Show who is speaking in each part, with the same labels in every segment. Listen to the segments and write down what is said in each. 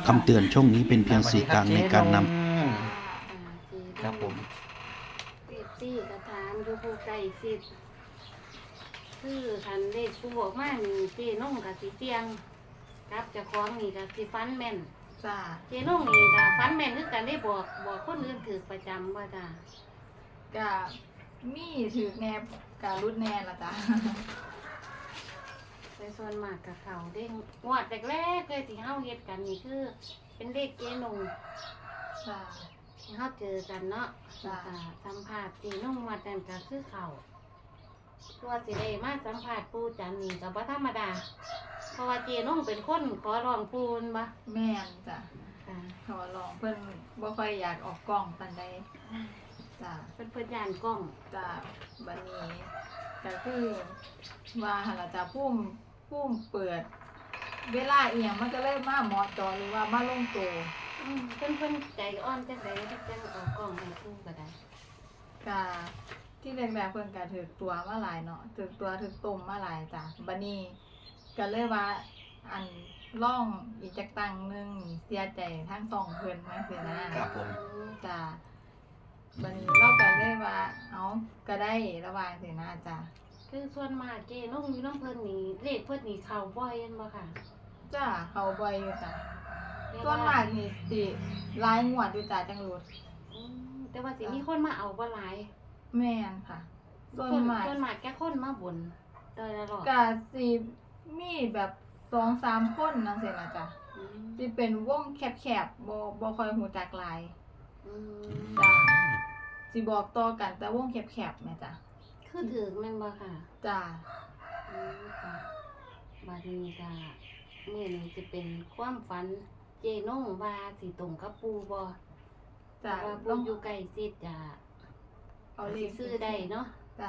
Speaker 1: คำเตือนช่องนี้เป็นเพียงสื่อกลางในการน
Speaker 2: ครับผม
Speaker 3: ซี่กระถามอยู่ผู้ใกล้ชิดคือคันเลขผู้บอกมานี่เจน้องกับสิเตียงกับเจ้าของนี่กับสิฟันแม่น
Speaker 4: จ้า
Speaker 3: เจน้องนี่กับฟันแม่นคือกันได้บอกคนอื่นถือประจำว่าจ้ะ
Speaker 4: ก็มีถือแนบการุดแน่ละจ้า
Speaker 3: ไปส่วนมากกับเขาเด้งงวดแรกๆเลยที่เฮาเฮ็ดกันนี่คือ เป็นเลขเจน้อง
Speaker 4: จ้า
Speaker 3: ที่เฮาเจอกันเนาะ
Speaker 4: จ้ะ
Speaker 3: แล้วก็สัมภาษณ์เจน้องวัดนั้นก็คือเขาตัวสิได้มาสัมภาษณ์ปู่จันนี่ก็บ่ธรรมดาเพราะว่าเจน้องเป็นคนขอร้องปู่นบ่
Speaker 4: แม่นจ้า
Speaker 3: ค่ะ
Speaker 4: ขอลองเพิ่นบ่ค่อยอยากออกกล้องปานใดจ้า
Speaker 3: เป็นเพื่อนยานกล้อง
Speaker 4: จ้าบัดนี้ก็คือว่าหั่นล่ะจ้าพุ่มเปิด เวลาอีหยังมันก็เลยมาเหมาะเจอหรือว่ามาลงตัว
Speaker 3: เพิ่นใจอ่อนจังไดที่จังออกกล้องให้คู่ก็ได้
Speaker 4: ก็ที่แรกๆเพิ่นก็ถือตัวมาหลายเนาะถือตัวถือต้มมาหลายจ้าบัดนี้ก็เลยว่าอันล่องอีกจักตังหนึงเสียใจทั้งสองเพิ่นมาสินะครับ
Speaker 2: ผม
Speaker 4: จ้าบัดนี้เราก็เลยว่าเอาก็ได้ระหว่างสินะจ้า
Speaker 3: คือส่วนมากเจน้องอยู่น้ำเพิ่นนี่เลขเพิ่นนี่เข้าบ่อยแม่นบ่ค่ะ
Speaker 4: จ้าเขาบ่อยอยู่จ้าส่วนมากนี่สิหลายงวดอยู่จ้าจังรูด
Speaker 3: แต่ว่าสิมีคนมาเอาบ่หลาย
Speaker 4: แม่นค่ะส่วนมาก
Speaker 3: ส่วนมากแค่คนมาบ่นเตยละหรอก
Speaker 4: ก็สิมีแบบ 2-3 คนจังซี่นะจ้า
Speaker 3: อืม
Speaker 4: สิเป็นวงแคบๆบ่ค่อยฮู้จักหลาย
Speaker 3: อืม
Speaker 4: จ้าสิบอกต่อกันแต่วงแคบๆแม่จ้า
Speaker 3: คือถือแม่นบ่ค่ะ
Speaker 4: จ้า
Speaker 3: ค่ะบัดนี้ก็มื้อนี้สิเป็นความฝันเจน้องว่าสิตรงกับปู่บ่
Speaker 4: จ้า
Speaker 3: ว่า
Speaker 4: ล
Speaker 3: ปู่
Speaker 4: อง
Speaker 3: อยู่ใกล้ชิดจะ
Speaker 4: เอาเลข
Speaker 3: ซื้อได้เนาะ
Speaker 4: จ้า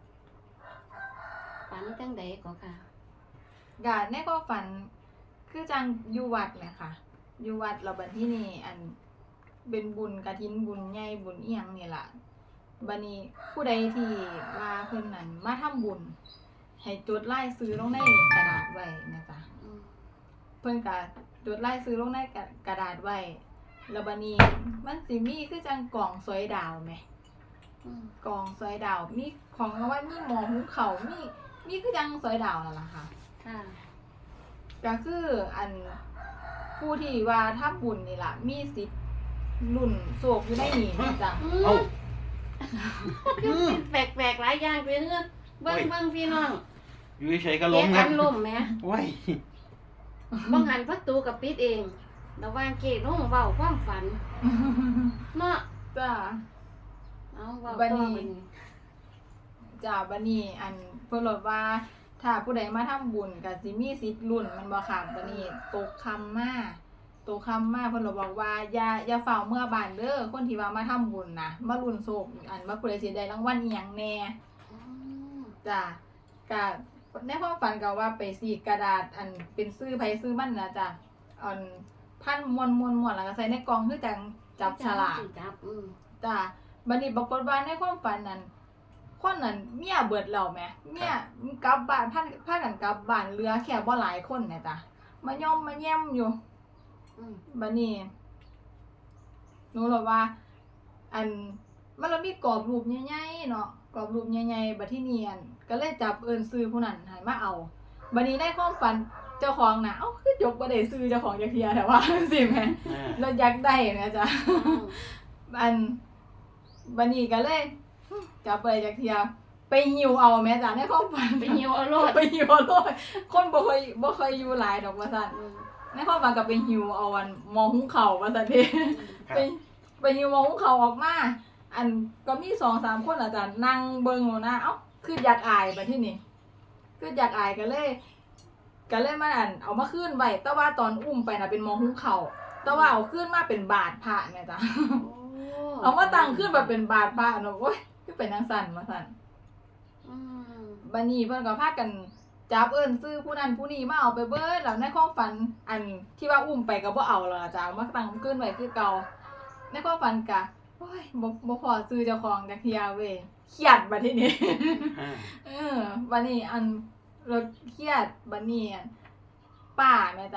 Speaker 3: ฝันจังใดก็ค่ะ
Speaker 4: กะในความฝันคือจังอยู่วัดแหละค่ะอยู่วัดแล้วบัดที่นี่อันเป็นบุญกฐินบุญใหญ่บุญอีหยังนี่ล่ะบัดนี้ผู้ใดที่ว่าเพิ่นนั้นมาทำบุญให้จดรายชื่อลงในกระดาษไว้นะจ๊ะ
Speaker 3: อืม
Speaker 4: เพิ่นก็จดรายชื่อลงในกระดาษไว้แล้วบัดนี้มันสิมีคือจังกล่องสวยดาวแหม
Speaker 3: อืม
Speaker 4: กล่องสวยดาวมีของรางวัลมีหมอหุงข้าวมีคือจังสวยดาวนั่นล่ะค่ะ
Speaker 3: ค่ะ
Speaker 4: ก็คืออันผู้ที่ว่าถ้าบุญนี่ล่ะมีสิทธิ์ลุ่นโศกอยู่ในนี่จ้ะ
Speaker 2: เอ้า
Speaker 3: แปลกๆหลายอย่างไปเรื่อยเบิ่ง
Speaker 2: โอ้ย
Speaker 3: เบิ่งพี่น้อง
Speaker 2: อยู่เฉยๆก็
Speaker 3: เก
Speaker 2: ล้มค
Speaker 3: อั
Speaker 2: รับ
Speaker 3: นล่มแหม
Speaker 2: โอ้ย
Speaker 3: บางหันประตูกับปิดเองระหว่างเกน้องเว้าความฝันเนาะ
Speaker 4: จ้ะ
Speaker 3: เอาเว้า
Speaker 4: บั
Speaker 3: ต่
Speaker 4: ด
Speaker 3: อ
Speaker 4: นี้
Speaker 3: บัดนี้
Speaker 4: จ้ะบัดนี้อันเพิ่นบอกว่าถ้าผู้ใดมาทำบุญก็สิมีสิทธิ์ลุ่นมันบ่ค่ะบัดนี้ตกคำมาเพิ่นบอกว่าอย่าเฝ้าเมื่อบ้านเด้อคนที่ว่ามาทำบุญนะมาลุ่นโศกอันว่าผู้ใดสิได้รางวัลอีหยังแน่
Speaker 3: อืม
Speaker 4: จ้ะกะในความฝันก็ว่าไปสีกระดาษอันเป็นซื้อไผซื้อมันนะจ้ะอันพันมวนแล้วก็ใส่ในกล่องคือจังจับฉลาก
Speaker 3: จับ
Speaker 4: จ้ะบัดนี้ปรากฏว่าในความฝันนั้นคนนั้นเมียเบิดแล้วแหมเมียกลับบ้านพากันกลับบ้านเหลือแค่บ่หลายคนน่ะจ้ะมาย่อมมาแย้มอยู่
Speaker 3: อืม
Speaker 4: บัดนี้หนูเลยว่า อันมันเรามีกรอบรูปใหญ่ๆเนาะกรอบรูปใหญ่ๆบัดที่เนียนก็เลยจับเอิ้นซื้อผู้นั้นให้มาเอาบัดนี้ได้ความฝันเจ้าของน่ะเอ้าคือยกบ่ได้ซื้อเจ้าของจักเที่ยแต่ว่า สิแหม
Speaker 2: อ่า
Speaker 4: เราอยากได้นะจ๊ะ อันบัดนี้ก็เลยจับไปจักเที่ยไปหิวเอาแม่จ้ะในความฝัน
Speaker 3: ไปหิวเอาโลด
Speaker 4: ไปหิวเอาโลดคนบ่เคยอยู่หลายดอกว่าซั่น
Speaker 3: อืม
Speaker 4: ในความฝันก็ไปหิวเอาอันหมอหุงข้าวว่าซั่นเด้
Speaker 2: ครับ
Speaker 4: ไปหิวหมอหุงข้าวออกมา อันก็มี 2-3 คนอาจารย์นั่งเบิ่งอยู่นะเอ้าคืออยากอายบัดทีนี้คืออยากอายก็เลยมาอันเอามาคืนไว้แต่ว่าตอนอุ้มไปน่ะเป็นหมอหุงข้าวแต่ว่าเอาคืนมาเป็นบาทพระแม่จ้ะ
Speaker 3: โอ้
Speaker 4: เอามาตั้งขึ้นแบบเป็นบาทพระเนาะโอ้ยคือเป็นจังซั่นว่าซั่น
Speaker 3: อืม
Speaker 4: บัดนี้เพิ่นก็พากันจับเอิ้นซื้อผู้นั้นผู้นี้มาเอาไปเบิดแล้วในความฝันอันที่ว่าอุ้มไปก็บ่เอาแล้วล่ะจ้ะเอามาตั้งขึ้นไว้คือเก่าในความฝันก็โอ้ยบ่พอซื้อเจ้าของจักเที่ยเว้ยเครียดบัดทีนี้
Speaker 2: อ่า
Speaker 4: บัดนี้อันเราเครียดบัดนี้อันป้าแม่จ้ะ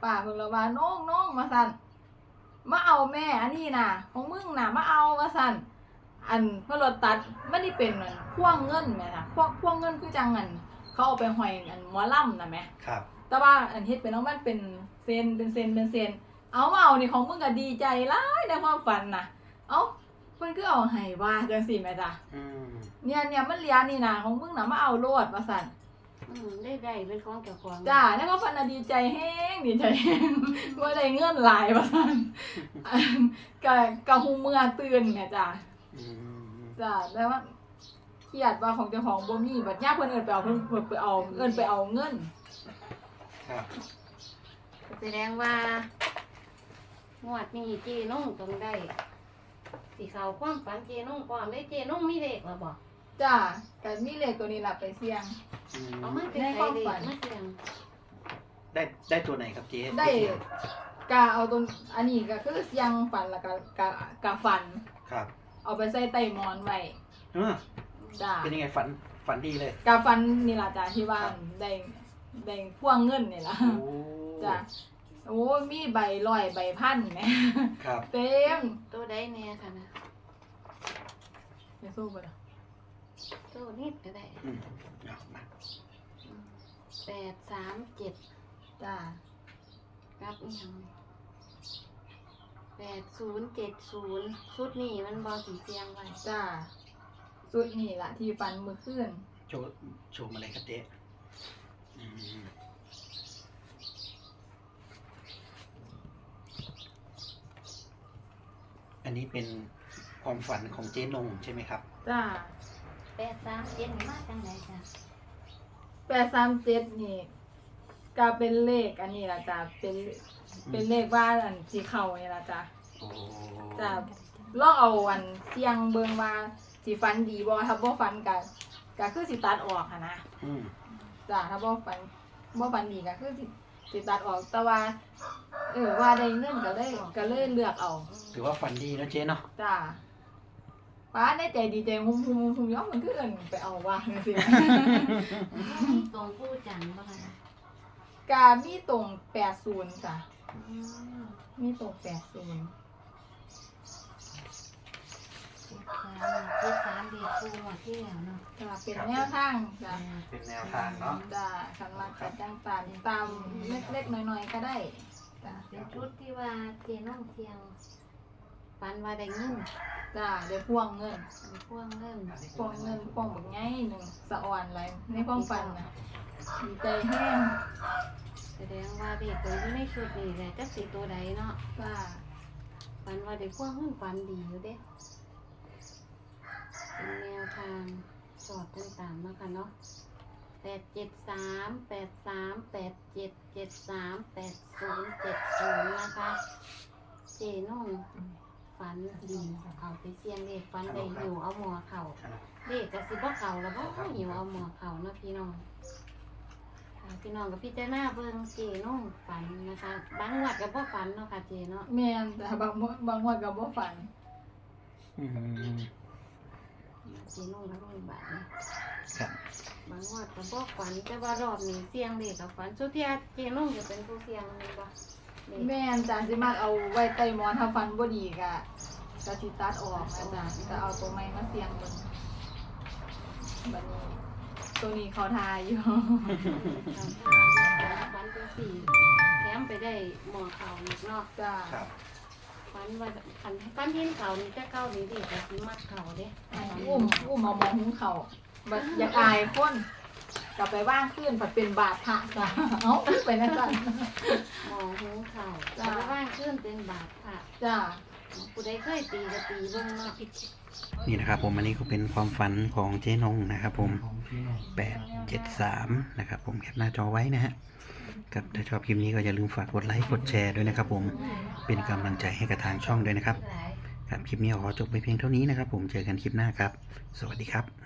Speaker 4: ป้าเพิ่นละว่าน้องมาสั่นมาเอาแม่อันนี้น่ะของมึงน่ะมาเอาว่าสั่นอันเพิ่นรถตัดมันนี่เป็นอันพ่วงเงินแม่น่ะพ่วงเงินคือจังอันเขาเอาไปห้อยอันหมอลำน่ะแม่
Speaker 2: ครับ
Speaker 4: แต่ว่าอันเฮ็ดเป็นของมันเป็นเส้นเป็นเส้นเอามาเอานี่ของมึงก็ดีใจหลายในความฝันน่ะเอ้าเพิ่นคือเอาให้ว่าจังซี่แม่จ้ะ
Speaker 2: อืม
Speaker 4: เนี่ยมันเหลือนี่น่ะของมึงน่ะมาเอาโลดว่าซั่น
Speaker 3: ได้เป็นของเจ้าของ
Speaker 4: จ้าในความฝันน่ะดีใจแฮงว่าได้เงินหลายว่าซั่นอันก็ฮู้เมื่อตื่นแม่จ้ะ
Speaker 2: อืม
Speaker 4: จ้าแต่ว่าเครียดว่าของเจ้าของบ่มีบัดยามเพิ่นเอิ้นไปเอาเพิ่นไปเอาเงิน
Speaker 2: ครับ
Speaker 3: แสดงว่างวดนี้เจนุ่งต้องได้สิเขาความฝันเจนุ่งพร้อมได้เจนุ่งมีเลขแล้วบ่
Speaker 4: จ้าก็มีเลขตัวนี้ล่ะไปเสี่ยง
Speaker 2: อืม
Speaker 3: เอามาเป็น
Speaker 4: ใน
Speaker 3: ใส่
Speaker 4: ความ
Speaker 3: เล
Speaker 4: ฝั
Speaker 3: ข
Speaker 4: น
Speaker 3: มาเสี่ยง
Speaker 2: ได้ตัวไหนครับเจ๊
Speaker 4: ได้กาเอาตัวอันนี้ก็คือเสียงฝันแล้วก็กาฝัน
Speaker 2: ครับ
Speaker 4: เอาไปใส่ใต้หมอนไว้
Speaker 2: เออ
Speaker 4: จ้า
Speaker 2: เป็นยังไงฝันดีเลย
Speaker 4: กาฝันนี่ล่ะจ้าที่ว่าได้พ่วงเงินนี่ล่ะ
Speaker 2: โอ้
Speaker 4: จ้าโอ้มีใบร้อยใบพันแหม
Speaker 2: ครับ
Speaker 4: เต็ม
Speaker 3: ตัวใดแน่ค่ะนะ
Speaker 4: อย่าสู้บ่ล่ะ
Speaker 3: ตัวนิดก็ได้
Speaker 2: อืมเอามา
Speaker 3: 837
Speaker 4: จ้า
Speaker 3: กับอีหยัง8070ชุดนี้มันบ่สิเสียงไว้
Speaker 4: จ้าสุดนี่ล่ะที่ฝันมื้อคืน
Speaker 2: โชว์มาเลยครับเจ๊อืมอันนี้เป็นความฝันของเจ๊นงใช่ไหมครับ
Speaker 4: จ้า
Speaker 3: 837นี่มาจังไดจ้ะ
Speaker 4: 837นี่ก็เป็นเลขอันนี้ล่ะจ้าเป็นเลขว่าอันสิเข้านี่ล่ะจ้า
Speaker 2: โอ้
Speaker 4: จ้ะลองเอาอันเสียงเบิ่งว่าสิฟันดีบ่ถ้าบ่ฟันก็คือสิตัดออกหันนะ
Speaker 2: อืม
Speaker 4: จ้ะถ้าบ่ฟันดีก็คือสิตัดออกแต่ว่าว่าได้เงินก็เลยเลือกเอา
Speaker 2: ถือว่าฝันดีนะเจ๊เนาะ
Speaker 4: จ้ะป้าได้ใจดีใจหุ่มๆๆย้อมมันคือเอิ้นไปเอาว่าจังซี่
Speaker 3: มีตรงผู้จันทร์บ่ล่ะ
Speaker 4: กามีตรง80จ้ะ
Speaker 3: อืม
Speaker 4: มีตรง80
Speaker 3: 73ดีคู่หมดที่แล้วเนาะ
Speaker 4: จ้ะเป็นแนวทางจ้ะ
Speaker 2: เป็นแนวทางเนาะ
Speaker 4: จ้ะคันมาจัดจังตามเล็กๆน้อยๆก็ได้จ้ะ
Speaker 3: เป็นชุดที่ว่าเจน้องเทียงฝันว่าได้เงิน
Speaker 4: จ้าได้พ่วงเงิน
Speaker 3: มีพ่วงเงิน
Speaker 4: พ่วงเงินพ่วงแบบไงหนึ่งสะอ่อนอะไรในความฝันนะดีใจแห้ง
Speaker 3: แสดงว่าเด็กตัวอยู่ในชุดนี้แหละจักสิตัวใดเนาะ
Speaker 4: จ้า
Speaker 3: ฝันว่าได้พ่วงเงินฝันดีอยู่เด้เป็นแนวทางสอดต่างๆนะคะเนาะ87387738070นะคะเจน้องฝันดีเอาไปเสี่ยงเลขฝันได้หิวเอาหมอเข่าเลขกระสิบ่เข่าแล้วบ่หิวเอาหมอเข่าเนาะพี่น้องค่ะพี่น้องกับพี่เจ้าหน้าเบิ่งเจน้องฝันนะคะบางงวดกับบ่ฝันเนาะค่ะเจเนาะ
Speaker 4: แม่นแต่บางวันก็บ่ฝัน
Speaker 2: อืม
Speaker 3: เจน้องแล้วก็มีบาทนะครับ บางงวดกับบ่ฝันแต่ว่ารอบนี้เสี่ยงเลขกับฝันสุดที่เจน้องจะเป็นผู้เสี่ยงแม่นบ่เลข
Speaker 4: แม่นจ้าสิมาเอาไว้ใต้หมอนถ้าฟันบ่ดีก็สิตัดออกนะจ้าจะเอาตัวใหม่มาเสียงเบิ่งบัดนี้ตัวนี้เขาทาอยู่
Speaker 3: ฝันเป็นสี่แถมไปได้หมอเข่าอีกเนาะ
Speaker 4: จ้า
Speaker 2: ครับ
Speaker 3: ฝันว่าฝันเห็นเข่านี่จะเก้านี่ดิแต่สิมัดเข่าเด้
Speaker 4: อุ้มเอามองหุงเขาบัดอยากอายคนกลับไปว่างขึ้นผัดเป็นบาทพระจ้าเอ้าไปนั่นจ้ะ
Speaker 3: หมอหูเข่า
Speaker 4: จ้ะ
Speaker 3: แล้วว่างขึ้นเป็นบาทค่ะ
Speaker 4: จ้า
Speaker 3: ผู้ใดเคยตีก็ตีเบิ่งเนาะ
Speaker 1: นี่นะครับผมอันนี้ก็เป็นความฝันของเจ๊นงนะครับผม873นะครับผมแคปหน้าจอไว้นะฮะครับถ้าชอบคลิปนี้ก็อย่าลืมฝากกดไลค์กดแชร์ด้วยนะครับผมเป็นกำลังใจให้กับทางช่องด้วยนะครับครับคลิปนี้ขอจบไปเพียงเท่านี้นะครับผมเจอกันคลิปหน้าครับสวัสดีครับ